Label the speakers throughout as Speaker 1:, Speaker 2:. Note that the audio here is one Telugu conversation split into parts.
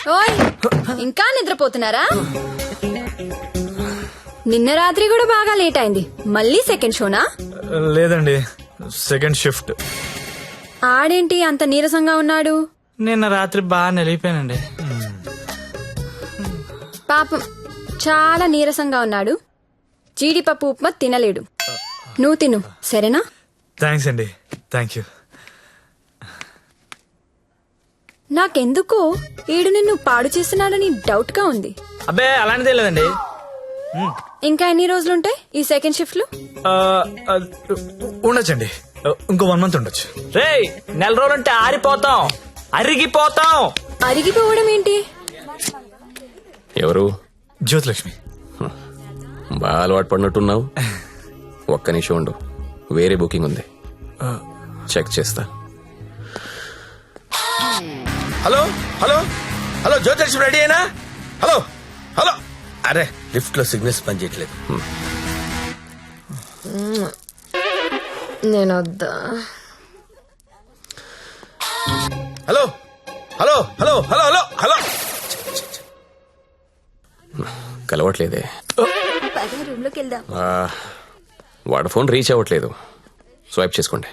Speaker 1: ఓయ్ ఇంకా నిద్రపోతున్నారా? నిన్న రాత్రి కూడా బాగా లేట్ అయింది. మళ్ళీ సెకండ్ షోనా?
Speaker 2: లేదండి, సెకండ్ షిఫ్ట్.
Speaker 1: ఆడేంటి అంత నీరసంగా ఉన్నాడు?
Speaker 3: నిన్న రాత్రి బాగా నిలిపోయానండి.
Speaker 1: పాపం చాలా నీరసంగా ఉన్నాడు. జీడిపప్పు ఉప్మా తినలేడు. నువ్వు తిను సరేనా?
Speaker 2: థ్యాంక్స్ అండి, థ్యాంక్ యూ.
Speaker 1: నాకెందుకో ఈడు నిన్ను పాడు చేస్తున్నాడని డౌట్ గా ఉంది.
Speaker 3: అబ్బే అలాంటిదే లేదండి.
Speaker 1: ఇంకా ఎన్ని రోజులుంటాయి ఈ సెకండ్ షిఫ్ట్ లో?
Speaker 2: ఉండొచ్చండి, ఇంకో 1 month ఉండొచ్చు.
Speaker 3: రేయ్, నెల రోజులంటే ఆరిపోతాం, అరిగిపోతాం.
Speaker 1: అరిగిపోవడం ఏంటి?
Speaker 4: ఎవరు?
Speaker 2: జ్యోతిలక్ష్మి.
Speaker 4: బాగా అలవాటు పడినట్టున్నావు. ఒక్క నిమిషం ఉండు, వేరే బుకింగ్ ఉంది, చెక్ చేస్తా.
Speaker 5: Hello hello hello, Jyothilakshmi ready అయినా? హలో హలో, అరే లిఫ్ట్ లో సిగ్నల్స్ పనిచేయట్లేదు.
Speaker 1: నేను వద్దా?
Speaker 5: Hello hello hello hello hello hello,
Speaker 4: కలవట్లేదే.
Speaker 1: రూమ్ లోకి వెళ్దాం.
Speaker 4: వాడు ఫోన్ రీచ్ అవ్వట్లేదు, స్వైప్ చేసుకోండి.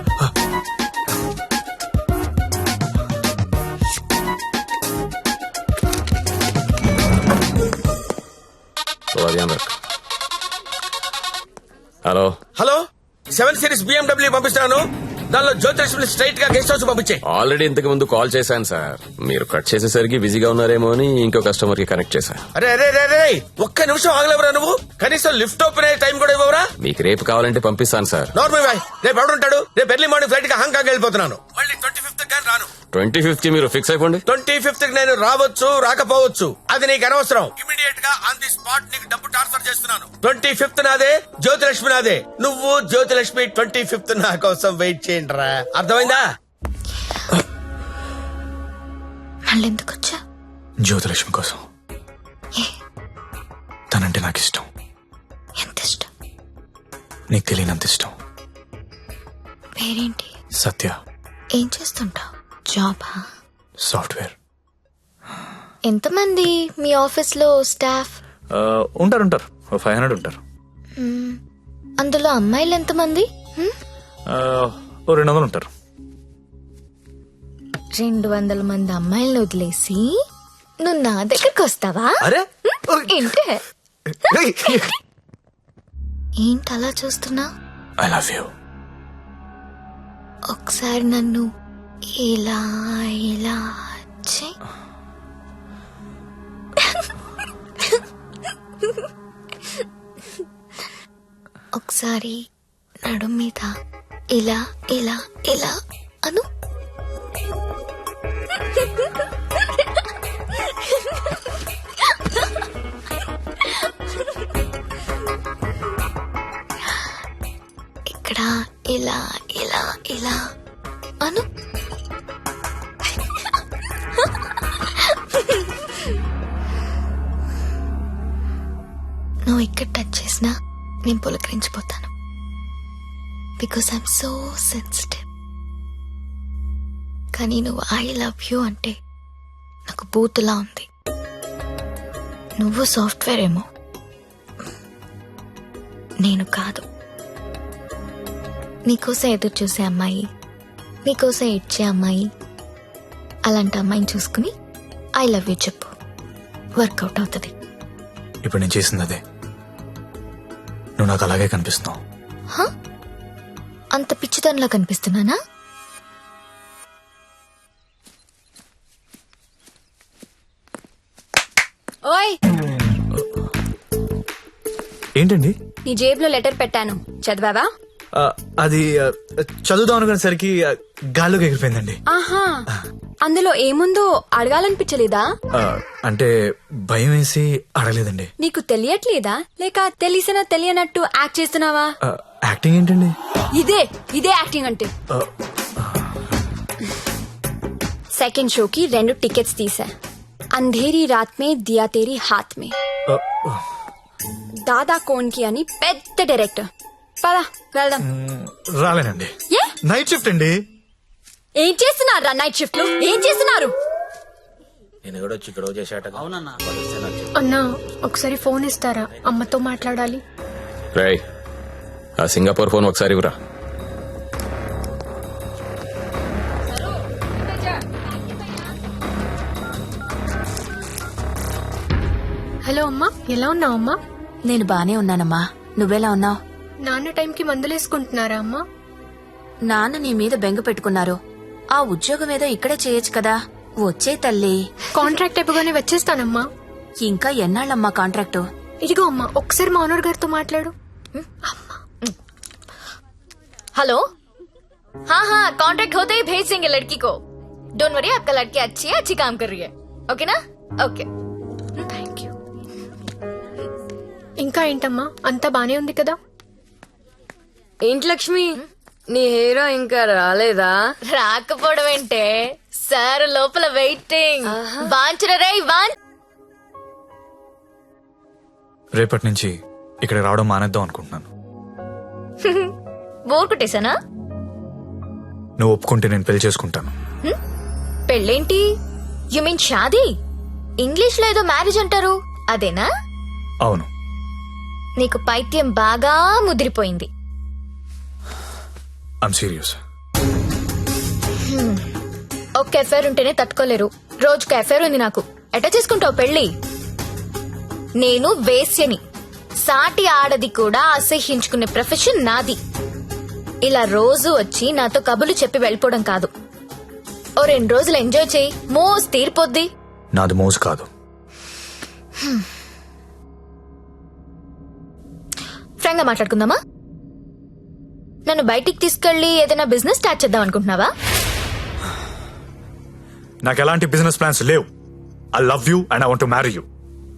Speaker 4: హలో
Speaker 5: హలో, 7 Series BMW పంపిస్తున్నాను. దానిలో జ్యోతిలక్ష్మి స్ట్రైట్ గా గెస్ట్ హౌస్ పంపించే.
Speaker 4: ఆల్రెడీ ఇంతకు ముందు కాల్ చేశాను సార్. మీరు కట్ చేసేసరికి బిజీగా ఉన్నారేమో అని ఇంకో కస్టమర్ కి కనెక్ట్ చేశా.
Speaker 5: అరే అరే అరే, ఒక్క నిమిషం ఆగలేవరా నువ్వు? కనీసం లిఫ్ట్ ఓపెన్ అయ్యే టైం కూడా ఇవ్వరా?
Speaker 4: మీకు రేపు కావాలంటే పంపిస్తాను సార్.
Speaker 5: నార్మల్ బాయ్, రేపు ఎవడుంటాడు? రేపు ఎర్లీ మార్నింగ్ ఫ్లైట్ గా హాంకాంగ్ వెళ్ళిపోతున్నాను. మళ్ళీ 25th గాని రాను.
Speaker 4: 25th మీరు ఫిక్స్ అయిపోండి.
Speaker 5: 25th నేను రావచ్చు రాకపోవచ్చు, అది నీకు అనవసరం. ఇమీడియట్ గా ఆన్ ది స్పాట్ నీకు డబ్బు ట్రాన్స్ఫర్ చేస్తున్నాను. 25th నాదే, జ్యోతిలక్ష్మి నాదే. నువ్వు జ్యోతిలక్ష్మి 25th నా కోసం వెయిట్ చేయండి రా. అర్థమైందా?
Speaker 1: మళ్ళీ ఎందుకు వచ్చా?
Speaker 2: జ్యోతిలక్ష్మి కోసం. తనంటే నాకు ఇష్టం.
Speaker 1: ఎంత ఇష్టం?
Speaker 2: నీకు తెలియనంత ఇష్టం.
Speaker 1: పేరేంటి?
Speaker 2: సత్య.
Speaker 1: ఏం చేస్తుంటావు? జాబా?
Speaker 2: సాఫ్ట్వేర్.
Speaker 1: ఎంతమంది మీ ఆఫీస్ లో స్టాఫ్?
Speaker 2: ఉంటారు 500 ఉంటారు.
Speaker 1: అందులో అమ్మాయిలు ఎంతమంది?
Speaker 2: 200 ఉంటారు.
Speaker 1: 200 మంది అమ్మాయిలను వదిలేసి నువ్వు నా దగ్గరకు వస్తావా?
Speaker 2: అరే
Speaker 1: ఏంటే ఏంటి అలా చూస్తున్నా?
Speaker 2: I love you.
Speaker 1: ఒకసారి నన్ను ఇలా ఇలా చెయ్. ఒకసారి నడు మీద ఇలా ఇలా ఇలా అను. ఇక్కడ ఇలా ఇలా ఇలా అను. నువ్వు ఇక్కడ టచ్ చేసినా నేను పులకరించిపోతాను. Because I'm so sensitive. కానీ నువ్వు ఐ లవ్ యూ అంటే నాకు బూతులా ఉంది. నువ్వు సాఫ్ట్వేర్ ఏమో, నేను కాదు. నీకోసం ఎదురు చూసే అమ్మాయి, నీకోసం ఇచ్చే అమ్మాయి, అలాంటి అమ్మాయిని చూసుకుని ఐ లవ్ యూ చెప్పు, వర్కౌట్ అవుతుంది.
Speaker 2: ఇప్పుడు నేను చేసింది అదే. నువ్వు నాకు అలాగే కనిపిస్తున్నావు.
Speaker 1: అంత పిచ్చితనంలా కనిపిస్తున్నానా? ఓయ్,
Speaker 2: ఏంటండి?
Speaker 1: నీ జేబులో లెటర్ పెట్టాను, చదివావా?
Speaker 2: అది చదువుదాం అనుకునేసరికి గాల్లోకి ఎగిరిపోయిందండి.
Speaker 1: ఆహా, అందులో ఏముందో అడగాలనిపించలేదా?
Speaker 2: అంటే భయం వేసి అడగలేదండి.
Speaker 1: నీకు తెలియట్లేదా, లేక తెలిసినా తెలియనట్టు యాక్ట్ చేస్తున్నావా?
Speaker 2: యాక్టింగ్ ఏంటండి?
Speaker 1: ఇదే యాక్టింగ్ అంటే. సెకండ్ షోకి 2 టికెట్స్ తీసా. అంధేరీ రాత్ మే దియా తేరీ హాత్ మే. దాదా కోన్కి అని పెద్ద డైరెక్టర్. పదా వెళ్దాం.
Speaker 2: రాలేనండి,
Speaker 1: ఏ
Speaker 2: నైట్ షిఫ్ట్ అండి.
Speaker 1: ఏం చేస్తున్నారు నైట్ షిఫ్ట్ లో? ఏం చేస్తున్నారు?
Speaker 5: ఈయన కూడా వచ్చి ఇక్కడ చేశాట. అవునన్నా.
Speaker 6: అన్నా ఒకసారి ఫోన్ ఇస్తారా, అమ్మతో మాట్లాడాలి.
Speaker 4: రేయ్ ఆ సింగపూర్ ఫోన్ ఒకసారి ఇవ్వరా.
Speaker 6: హలో అమ్మా, ఎలా ఉన్నావు అమ్మా?
Speaker 7: నేను బానే ఉన్నానమ్మా, నువ్వెలా ఉన్నావు?
Speaker 6: నాన్న టైంకి మందులేసుకుంటున్నారా అమ్మా?
Speaker 7: నాన్న నీ మీద బెంగ పెట్టుకున్నారు. ఆ ఉద్యోగం ఏదో ఇక్కడే చేయొచ్చు కదా. వచ్చే తల్లి.
Speaker 6: కాంట్రాక్ట్ అయిపోగానే వచ్చేస్తానమ్మా.
Speaker 7: ఇంకా ఎన్నాళ్ళమ్మా కాంట్రాక్టు?
Speaker 6: ఇదిగో అమ్మా, ఒకసారి మా ఓనర్ గారితో మాట్లాడు.
Speaker 1: हेलो हाँ हाँ कॉन्ट्रैक्ट होते ही भेज देंगे लड़की को. डोंट वरी, आपका लड़की अच्छी है, अच्छी काम कर रही है. ओके ना? ओके.
Speaker 6: Thank you. ఇంకా ఏంటమ్మా, అంతా బానే ఉంది కదా?
Speaker 8: ఏంటి లక్ష్మి, నీ హీరో ఇంకా రాలేదా?
Speaker 1: రాకపోవడం ఏంటే సార్, లోపల వెయిటింగ్. వాంచరా రే వాన్.
Speaker 2: రేపటి నుంచి ఇక్కడ రావడం మానేద్దాం అనుకుంటున్నాను.
Speaker 1: బోర్ కొట్టేశానా?
Speaker 2: నువ్వు ఒప్పుకుంటే నేను పెళ్లి చేసుకుంటాను.
Speaker 1: పెళ్ళేంటి? యు మీన్ షాదీ? ఇంగ్లీష్ లో ఏదో మ్యారేజ్ అంటారు, అదేనా?
Speaker 2: అవును.
Speaker 1: నీకు పైత్యం బాగా ముదిరిపోయింది.
Speaker 2: I'm serious.
Speaker 1: ఒక్క ఎఫైర్ ఉంటేనే తట్టుకోలేరు, రోజుకు ఎఫైర్ ఉంది నాకు. ఎట్లా చేసుకుంటావు పెళ్లి? నేను వేశ్యని, సాటి ఆడది కూడా అసహ్యించుకునే ప్రొఫెషన్ నాది. ఇలా రోజు వచ్చి నాతో కబులు చెప్పి వెళ్ళిపోవడం కాదు. ఓ 2 రోజులు ఎంజాయ్ చేయి, మోస్ తీరిపోద్ది.
Speaker 2: నాది మోజు కాదు.
Speaker 1: ఫ్రాంక్ గా మాట్లాడుకుందామా? నన్ను బయటికి తీసుకెళ్లి ఏదైనా బిజినెస్ స్టార్ట్ చేద్దాం అనుకుంటున్నావా?
Speaker 2: నాకు ఎలాంటి బిజినెస్ ప్లాన్స్ లేవు. I love you and I want to marry you.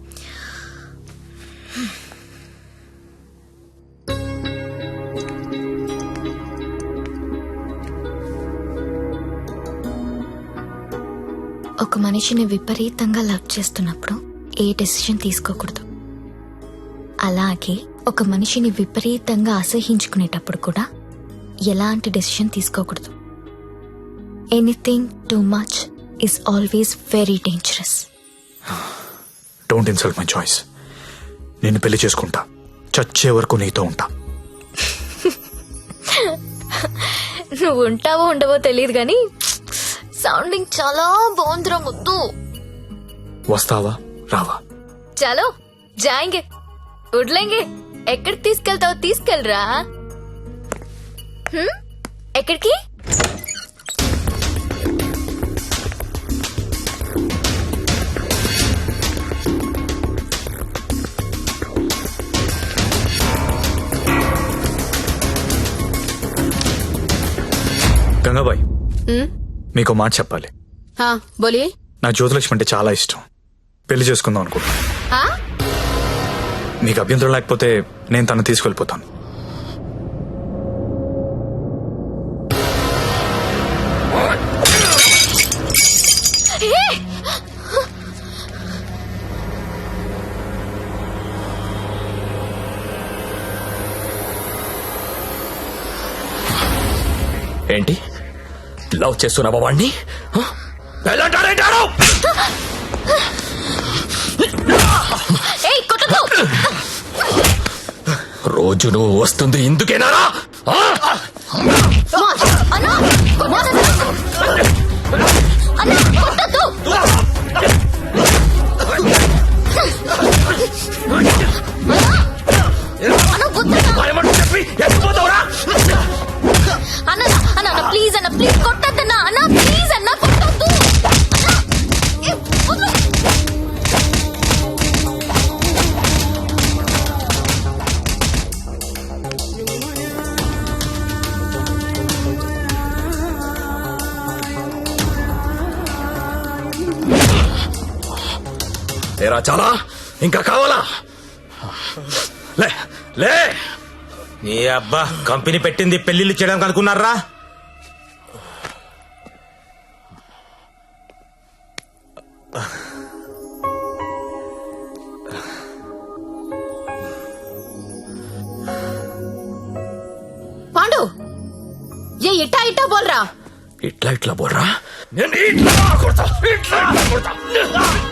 Speaker 1: ఒక మనిషిని విపరీతంగా లవ్ చేస్తున్నప్పుడు ఏ డెసిషన్ తీసుకోకూడదు. అలాగే ఒక మనిషిని విపరీతంగా అసహించుకునేటప్పుడు కూడా ఎలాంటి డెసిషన్ తీసుకోకూడదు. Anything too much is always very dangerous.
Speaker 2: Don't insult my choice. నేను పెళ్లి చేసుకుంటా, చచ్చే వరకు నీతో ఉంటా.
Speaker 1: నువ్వు ఉంటావో ఉండవో తెలియదు గాని సౌండింగ్ చాలా బాగుందిరా ముద్దు.
Speaker 2: వస్తావా రావా?
Speaker 1: చలో జాయింగే, ఉడ్లేంగే. ఎక్కడికి తీసుకెళ్తావో తీసుకెళ్ళరా. ఎక్కడికి?
Speaker 2: గంగాబాయ్, మీకు మాట చెప్పాలి.
Speaker 8: हाँ बोलिए.
Speaker 2: నాకు జ్యోతిలక్ష్మి అంటే చాలా ఇష్టం. పెళ్లి చేసుకుందాం అనుకుంటా.
Speaker 8: हाँ
Speaker 2: మీకు అభ్యంతరం లేకపోతే నేను తను తీసుకెళ్ళిపోతాను.
Speaker 4: ఏంటి లవ్ చేస్తున్నావా వాణ్ణి?
Speaker 1: ఏయ్, కొట్టొద్దు.
Speaker 4: రోజు నువ్వు వస్తుంది ఇందుకేనా?
Speaker 1: అన్నా, కొట్టొద్దు. అన్నా, కొట్టొద్దు. అన్నా, వద్దన్నా. అన్న అన్న ప్లీజ్ అన్న, ప్లీజ్ కొట్టద్దన్నా. అన్న ప్లీజ్ అన్న, కొట్టద్దు.
Speaker 4: ఏరా చాలా ఇంకా కావాలా? లే లే.
Speaker 5: నీ అబ్బా కంపెనీ పెట్టింది పెళ్లిళ్ళు చేయడానికి అనుకున్నారా?
Speaker 8: पांडु, ये इटा इटा बोल रहा.
Speaker 2: ఇట్లా ఇట్లా బోర్రా నేను ఇట్లా కొడతా, ఇట్లా కొడతా.